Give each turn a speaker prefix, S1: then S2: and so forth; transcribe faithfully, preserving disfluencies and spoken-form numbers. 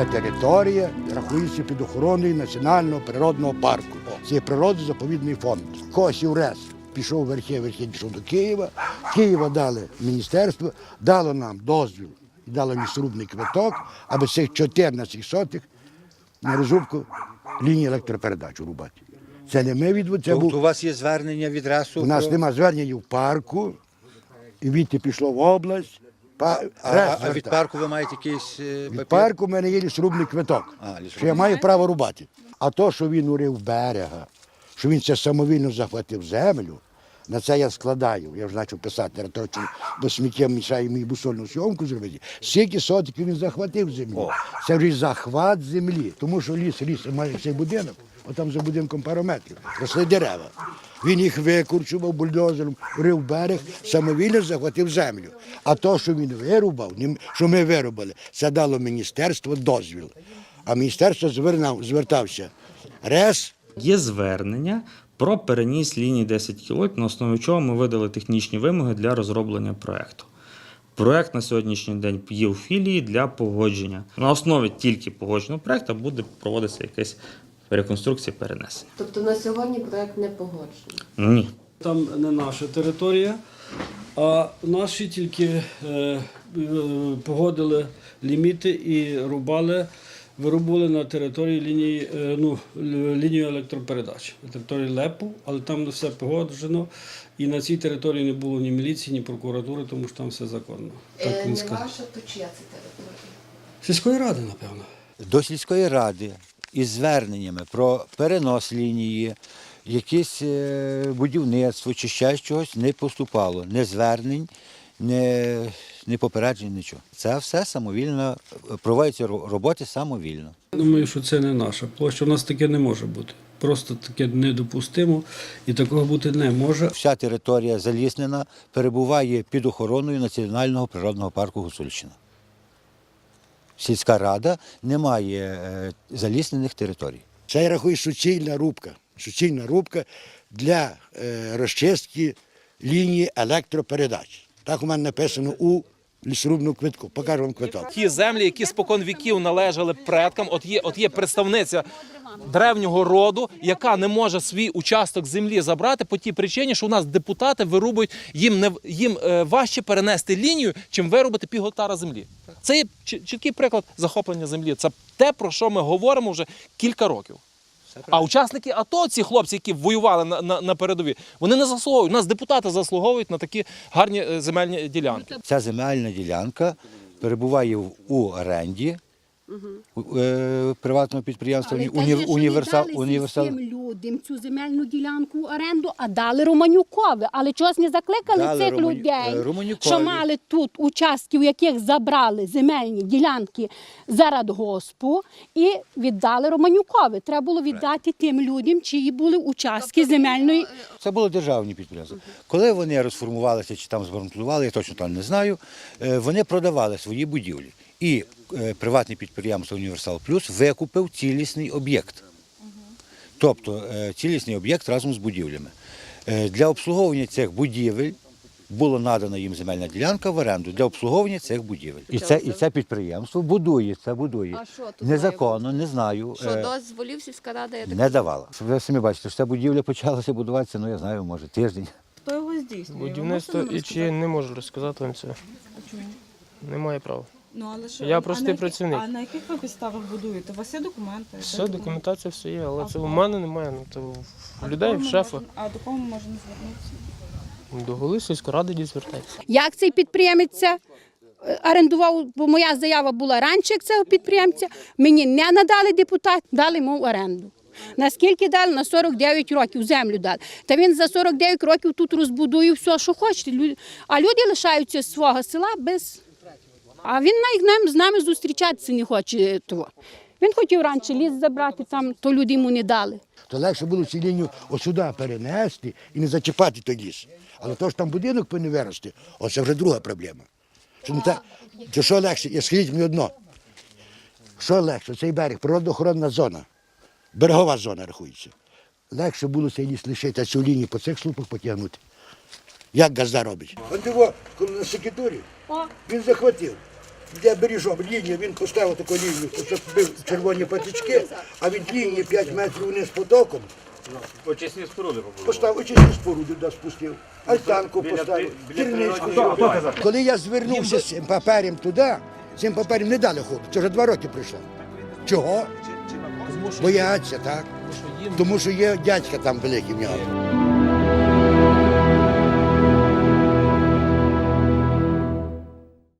S1: територія рахується під охороною Національного природного парку. Це природно-заповідний фонд. Косів РЕС пішов в верхи, верхи пішов до Києва. Києва дали міністерство, дало нам дозвіл і дало лісорубний квиток, аби цих чотирнадцять сотих на розрубку лінії електропередач рубати. Це не ми від... Це
S2: Тобто
S1: був...
S2: у вас є звернення від РЕСу?
S1: У нас
S2: про...
S1: немає звернення в парку, і відти пішло в область. Па...
S2: А, а, а від парку ви маєте якийсь е, папір?
S1: Від парку в мене є лісорубний квиток,
S2: А, лісорубний.
S1: що я маю право рубати. А то, що він урив берега, що він це самовільно захватив землю, на це я складаю. Я вже почав писати, бо сміття мішає мені бусольну зйомку зробити. Скільки сотиків він захватив землю.
S2: О.
S1: Це вже захват землі. Тому що ліс, ліс має цей будинок, отам за будинком пару метрів, росли дерева. Він їх викорчував бульдозером, урив берег, самовільно захватив землю. А то, що він вирубав, що ми вирубали, це дало міністерство дозвіл. А міністерство звернав, звертався РЕС.
S3: Є звернення про переніс лінії десять кіловольт, на основі чого ми видали технічні вимоги для розроблення проєкту. Проєкт на сьогоднішній день є у філії для погодження. На основі тільки погодженого проєкту буде проводитися якась реконструкція перенесення.
S4: Тобто на сьогодні проєкт не погоджений?
S3: Ні.
S5: Там не наша територія, а наші тільки е, е, погодили ліміти і рубали, вирубували на території лінії, е, ну, лінію електропередач, на території ЛЕПу, але там все погоджено. І на цій території не було ні міліції, ні прокуратури, тому що там все законно. Так
S4: Е,
S5: він
S4: не
S5: сказав.
S4: ваша, то чия це територія?
S5: Сільської ради, напевно.
S2: До сільської ради із зверненнями про перенос лінії, якесь е, будівництво чи ще щось не поступало. Не звернень, не, не попереджень, нічого. Це все самовільно, проводяться роботи самовільно.
S5: Думаю, що це не наша площа. У нас таке не може бути. Просто таке недопустимо і такого бути не може.
S2: Вся територія заліснена перебуває під охороною Національного природного парку Гуцульщина. Сільська рада не має е, заліснених територій.
S1: Це я рахую суцільна рубка. Суцільна рубка для е, розчистки лінії електропередач. Так у мене написано у лісорубному квитку. Покажу вам квиток.
S6: Ті землі, які спокон віків належали предкам, от є, от є представниця древнього роду, яка не може свій участок землі забрати по тій причині, що у нас депутати вирубують, їм, не, їм е, важче перенести лінію, чим вирубати пів гектара землі. Це є чіткий приклад захоплення землі. Це те, про що ми говоримо вже кілька років. А учасники АТО, ці хлопці, які воювали на, на, на передовій, вони не заслуговують. У нас депутати заслуговують на такі гарні земельні ділянки.
S2: Ця земельна ділянка перебуває в- у оренді у, е, приватного підприємства
S7: Але
S2: уні,
S7: каже, що
S2: універсал,
S7: не дали
S2: універсал.
S7: сільським людям цю земельну ділянку в оренду, а дали Романюкові. Але чогось не закликали
S2: Дали
S7: цих
S2: Романю-
S7: людей,
S2: е, Романюкові.
S7: що мали тут участки, у яких забрали земельні ділянки за радгоспу, і віддали Романюкові. Треба було віддати тим людям, чиї були участки земельної.
S2: Це були державні підприємства. Коли вони розформувалися чи там збанкрутували, я точно там не знаю, е, вони продавали свої будівлі. І е, приватне підприємство «Універсал Плюс» викупив цілісний об'єкт. Тобто е, цілісний об'єкт разом з будівлями. Е, Для обслуговування цих будівель була надана їм земельна ділянка в оренду для обслуговування цих будівель. І це, і це підприємство будує, це будує.
S4: А що тут
S2: Незаконно, не знаю.
S4: Що
S2: е,
S4: дозволів сільська рада, я так
S2: Не давала. Ви самі бачите, що ця будівля почалася будуватися, ну я знаю, може тиждень.
S8: Хто його здійснює?
S9: Будівництво і чи не можу розказати вам це.
S8: Чому?
S9: Немає права.
S8: Ну, але що?
S9: Я
S8: а
S9: простий
S8: на які-
S9: працівник.
S8: А на яких ви підставах будуєте? У вас є документи?
S9: Все, документація все є, але
S8: А
S9: це
S8: в
S9: в
S8: кого?
S9: мене немає. Ну, це
S8: А
S9: в
S8: до
S9: людей,
S8: кого
S9: в
S8: ми
S9: шефа.
S8: можемо- А до кого ми можемо звернутися?
S9: До голови сільської ради дій звертайтеся.
S7: Як цей підприємець е, орендував, бо моя заява була раніше як цього підприємця, мені не надали депутат, дали йому в оренду. Наскільки дали? На сорок дев'ять років землю дали. Та він за сорок дев'ять років тут розбудує все, що хоче. Лю- А люди лишаються з свого села без... А він навіть нам- з нами зустрічатися не хоче того. Він хотів раніше ліс забрати, там, то люди йому не дали.
S1: То легше було цю лінію осюди перенести і не зачіпати той ліс. Але то ж там будинок повинен вирости, оце вже друга проблема. Що, не та, то що легше, я скажіть мені одно, що легше, цей берег, природоохоронна зона, берегова зона рахується. Легше було цей ліс лишити, а цю лінію по цих слупах потягнути. Як газда робить? От його, коли на секретарі, він захватив. де бережом лінію, він поставив таку лінію, поставив червоні патички, а від лінії п'ять метрів вниз потоком.
S10: Очисні споруди побудували.
S1: Поставив очисні споруди, да, спустив, альтанку поставив, керничку. Коли я звернувся з цим папером туди, цим папером не дали ходу, це вже два роки пройшло. Чого? Бояться, так? Тому що є дядька там великий в нього.